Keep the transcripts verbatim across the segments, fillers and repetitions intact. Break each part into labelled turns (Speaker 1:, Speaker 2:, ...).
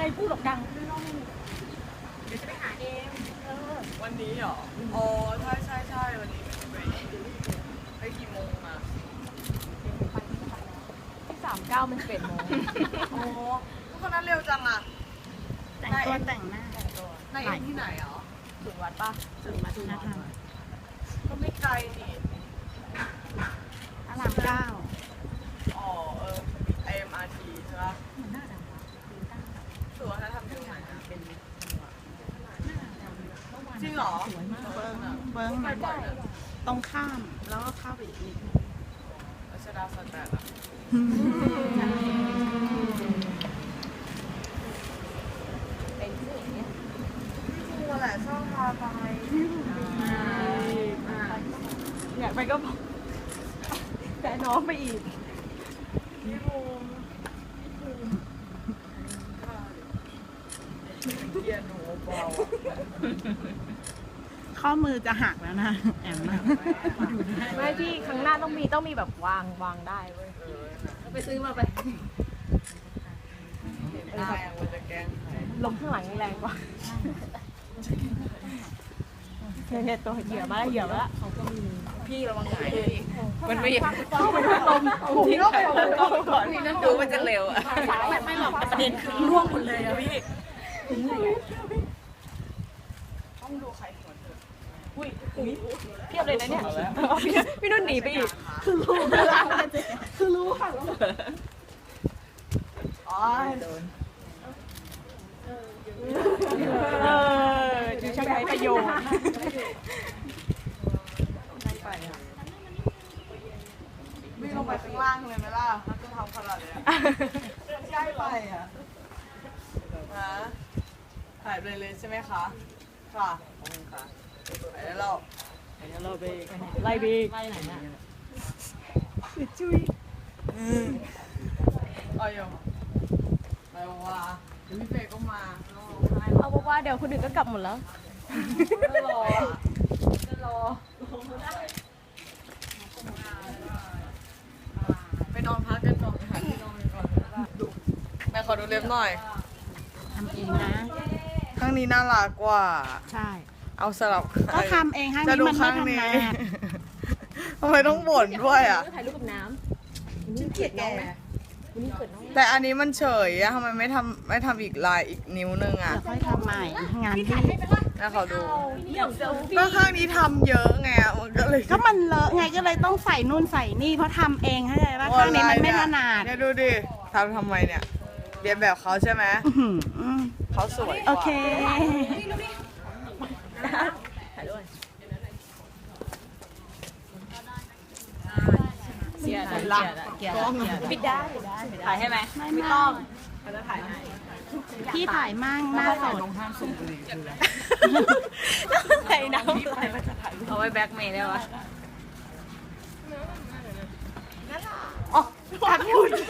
Speaker 1: ไงพูดหรอกดัง
Speaker 2: เดี๋ยวจะไปหาเอง
Speaker 3: วันนี้เหรออ๋อใช่ใช่ใช่วันนี้ไปไปกี่โมงมา
Speaker 1: ที่สามเก้ามันสิบเอ็ดโมง
Speaker 3: โอ้ทุกคนนั้นเร็วจังอ่ะ
Speaker 2: แต่งตัวแต่งหน้า
Speaker 3: ในเอ็นที่ไหนอ๋อ
Speaker 1: ถึงวัดป่ะ
Speaker 2: ถึงวัฒนธรรม
Speaker 3: ก็ไม่ไกลนี่
Speaker 2: พระรามเก้า
Speaker 3: อ๋อเออไอเอ็มอาร์ทีใช่ปะสวนนะทำที่ไหนจริงเหรอ
Speaker 2: เบิ้งเบิ้งตรงข้ามแล้วก็เข้าไปอีกนิดนึง
Speaker 3: รัชดาสแตนอะ
Speaker 1: เป็นที่อย่างเงี้ย
Speaker 3: พี่ภูแหละชอบพาไป
Speaker 1: อยากไปก็บอกแต่น้องไปอีก
Speaker 3: พี่ภูเกียร์หนูเบา
Speaker 2: ข้อมือจะหักแล้วนะแอมนะ
Speaker 1: ไม่พี่ครั้งหน้าต้องมีต้องมีแบบวางวางได้เว้ยไปซื้อมาไป
Speaker 3: ได้มันจะแกง
Speaker 1: ลมข้างหลังนี่แรงกว่าเนี่ยตัวเหยื่อมาแล้วเหยื่อมาแล้ว
Speaker 3: พี่ระวังหายเลยมันไม่
Speaker 1: ลม
Speaker 3: ทิ้งไปก่อนพี่นั่นดูมันจะเร็วอ่ะ
Speaker 2: ไม่หรอกประเด็นคือร่วงหมดเลยอะพี่
Speaker 3: ต้องดูใครหัวเถอะ
Speaker 1: อุ้ยเพียบเลยนะเนี่ยพี่นุ่นหนีไปอีก
Speaker 2: คือรู้คือรู้ค่ะ
Speaker 3: อ๋อโดน
Speaker 1: เออจะใช้ประโยชน์
Speaker 3: วิ่งลงไปข้างล่างเลยไหมล่ะถ้าจะทำขนาดนี้ใช่ไปอ่ะฮะหายไปเลยใช่ไหมคะค่ะขอบคุณค่ะไปแล้วเราไปแล้วเราไป
Speaker 1: ไล่บี
Speaker 2: ไล่ไหนน่ะ
Speaker 1: จุ้ย
Speaker 3: อ๋อยไปว่าเดี๋ยวพี่เฟย์ก็มา
Speaker 1: เอาบอกว่าเดี๋ยวคนอื่นก็กลับหมดแล้ว
Speaker 3: ก็รอ
Speaker 1: จะรอ
Speaker 3: ไปนอนพักกันก่อนหาที่นอนก่อนดูแม่ขอดูเล็บหน่อย
Speaker 2: ทำเองนะ
Speaker 3: ข้างนี้น่ารักกว่า
Speaker 2: ใช่
Speaker 3: เอาสลับ
Speaker 2: ก็ทำเองข้างนี้มันไม่ทำงาน
Speaker 3: ทำไมต้องบ่นด้วยอ่ะ
Speaker 1: ถ่ายรูปกับน้ำนี่เกลียดน้องไหมนี่เกิดน้อง
Speaker 3: แต่อันนี้มันเฉยอะทำไมไม่ทำไม่ทำอีกลายอีกนิ้วนึงอ่ะ
Speaker 2: ค่อยทำใหม่งานที่
Speaker 3: น่าขอดูก็ข้างนี้ทำเยอะไงมันก็เลย
Speaker 2: ก็มันเลอะไงก็เลยต้องใส่นู่นใส่นี่เพราะทำเองเข้าใจป่ะข้างนี้มันไม่ถนัด
Speaker 3: เนี่ยดูดิทำทำไมเนี่ยเรียนแบบเขาใช่ไหมเขาสวย
Speaker 2: โอเค
Speaker 1: ถ่ายด้วยเกียร์เกียร์เกียร์ปิดได้ถ่ายให้ไหมไม่ต้องเขาจะถ่ายให้
Speaker 2: พี่ถ่ายมั่งหน้าสด
Speaker 1: ใส่น้ำเอาไว้แบ็คเมย์ได้ปะอ๋อตัดหุ่น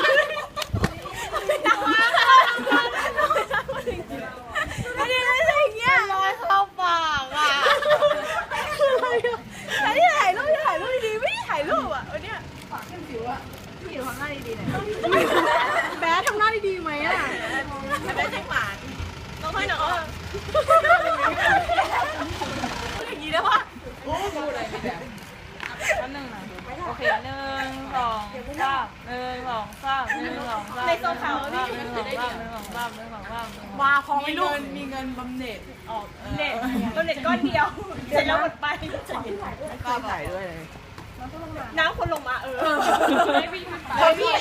Speaker 1: ไม่ได้ไม่ใช่อย่างเงี้ยลอยเข้าปากอ่ะคืออะไรอ่ะใครที่ถ่ายรูปถ่ายรูปดีไม่ได้ถ่ายรูปอ่ะวันเนี้ยปากเข้มจิ๋วอ่ะพี่อยู่ทำหน้าดีๆหน่อยแบ๊ทำหน้าดีๆไหมอ่ะแบ๊ทยังหวานต้องให้หน่อยอย่างนี้ได้ปะโอ้ดูอะไรไม่ได้อันหนึ่งนะโอเคหนึ่งสองสามหนึ่งสองสามหนึ่งสองสามในโซฟาพี่หนึ่งสองสามหนึ่งสองสามหนึ่งสองสามมาพอไม่รู้
Speaker 3: มีเงินบำเหน็จ
Speaker 1: ออกเน็ตบำเหน็จก้อนเดียวเสร็จแล้วหมดไป
Speaker 3: ก็ถ่ายด้วย
Speaker 1: น้ำคนลงมาเออ
Speaker 3: พี่พี่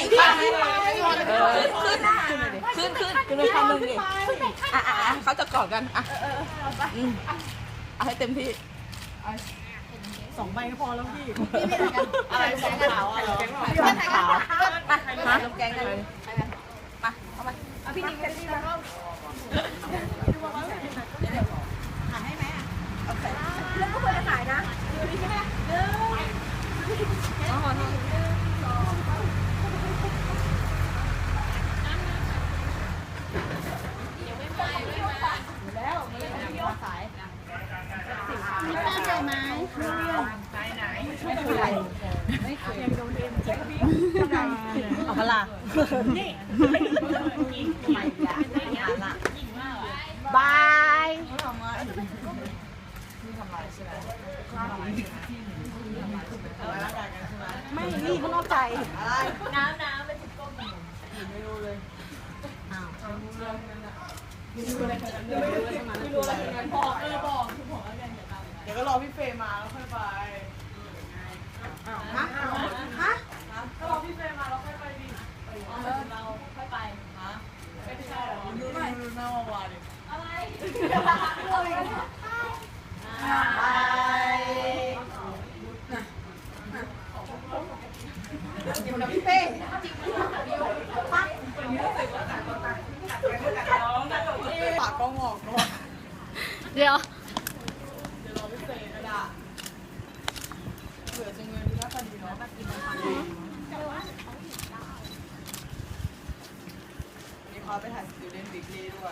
Speaker 3: ขึ้นขึ้นขึ้นขึ้นขึ้นคำหนึ่งดิอ่ะอ่ะเขาจะกอดกันอ่ะเอาให้เต็มที่
Speaker 1: สองใบก็พอแล้วพี่
Speaker 3: พี่ไม่ถ่ายกันอะไรแกงขาวอ่ะแกงขาวมามาลงแกงกันเลยมาเอามา
Speaker 1: เอาพี่นิ่งไปที่แล้ว
Speaker 2: ถ่ายให้ไหมอ่ะ
Speaker 1: โอเคแล้วก็ควรจะถ่ายนะดูดีใช่ไหมหนึ่งสองหนึ่งสองยังไม่ไปไม่มาแล้วมาเลยพี่สาย
Speaker 2: มีแป้งใส่ไหม
Speaker 3: ไหนไหน
Speaker 1: ไม่เป็นไรไม่เคยยังโดนเอ็มเจ็บพี่เอาพลานี่
Speaker 3: เดี๋ยวก็รอพี่เฟย์มาแล้วค่อยไปฮะฮะก็รอพี่เฟย์มาแล้วค่อยไปดิเราค่อยไปฮะไม่ใช่หรอดูหน่อยดูหน้าวาดิอะไรอยู่นะพี่เป้ปากก็งอกก่อน
Speaker 2: เดี๋ยว
Speaker 3: เดี๋ยวรอพี่เป้ก็ได้เผื่อจะเงินที่น่าจะดีเนาะมีเขาไปถ่าย Student Weekly ด้วย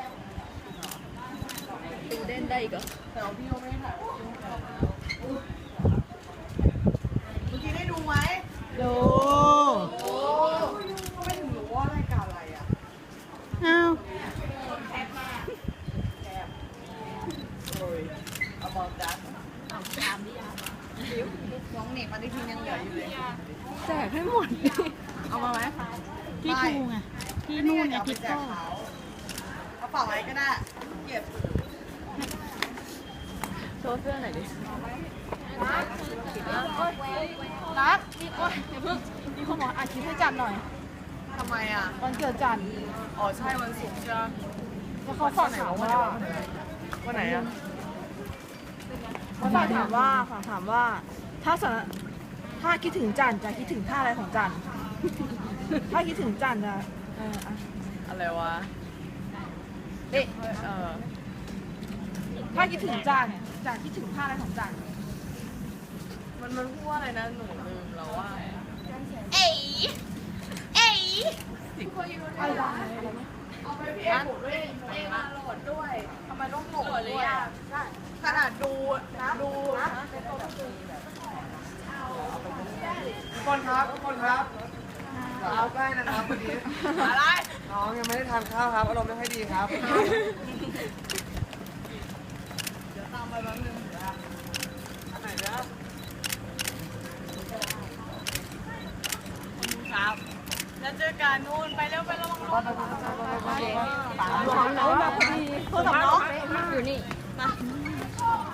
Speaker 1: ดูเด่นได้อีกเหรอ
Speaker 3: แต่ว่าพี่โยไม่ได้ถ่ายเมื่อกี้ได้ดูไหม
Speaker 2: ดู
Speaker 3: โอ้ไม่ถึงรู้ว่ารายการอะไรอ่ะ
Speaker 2: อ้าว
Speaker 3: โอ้ย about that น้องหนีปฏิทินยังเหลืออยู่เลย
Speaker 1: แจกให้หมดเอามาไหม
Speaker 2: ที่ทูไงที่นู่นไงทิปโก้
Speaker 3: กระเป๋าไว้ก็ได้เก็บ
Speaker 1: โชว์เสื้อหน่อยดิ
Speaker 2: รักนี่โอ๊ยเดี๋ยวเพิ่งมีคนบอกอาคลิปให้จันหน่อย
Speaker 3: ทำไมอ่ะ
Speaker 2: วันเกิดจัน
Speaker 3: อ๋อใช่วันศุกร์ใช่ไหม
Speaker 2: แล้วเขาฝากถามว่า
Speaker 3: วันไหนอ่ะ
Speaker 1: เขาฝากถามว่าฝากถามว่า ถ้าสนถ้าคิดถึงจันจะคิดถึงท่าอะไรของจัน ถ้าคิดถึงจันจะเอออ่ะ
Speaker 3: อะไรวะเอ๊ะเออ
Speaker 1: ถ้าคิดถึงจันจะคิดถึงท่าอะไรของจัน
Speaker 3: มันมันพูดว่าอะไรนะหนูลืมแล้วว่า
Speaker 2: เอ๋เอ๋
Speaker 1: อะไร
Speaker 3: เอาไปพี่เอ็มผมด้วยเอ็มมาโหลดด้วยทำไมต้องโหลดด้วยอ่ะขนาดดูดูทุกคนครับทุกคนครับเอาใกล้นะครับวันนี้อะไรน้องยังไม่ได้ทานข้าวครับอารมณ์ไม่ค่อยดีครับเดี๋ยวตามไปแป๊บนึงนะอันไหนนะครับแล้วเจอกันนู่นไปเร็วไประวังรถไปไปไปไป
Speaker 1: น้องมาพอดีโทรศัพท์น้อง
Speaker 2: อยู่นี่
Speaker 1: มา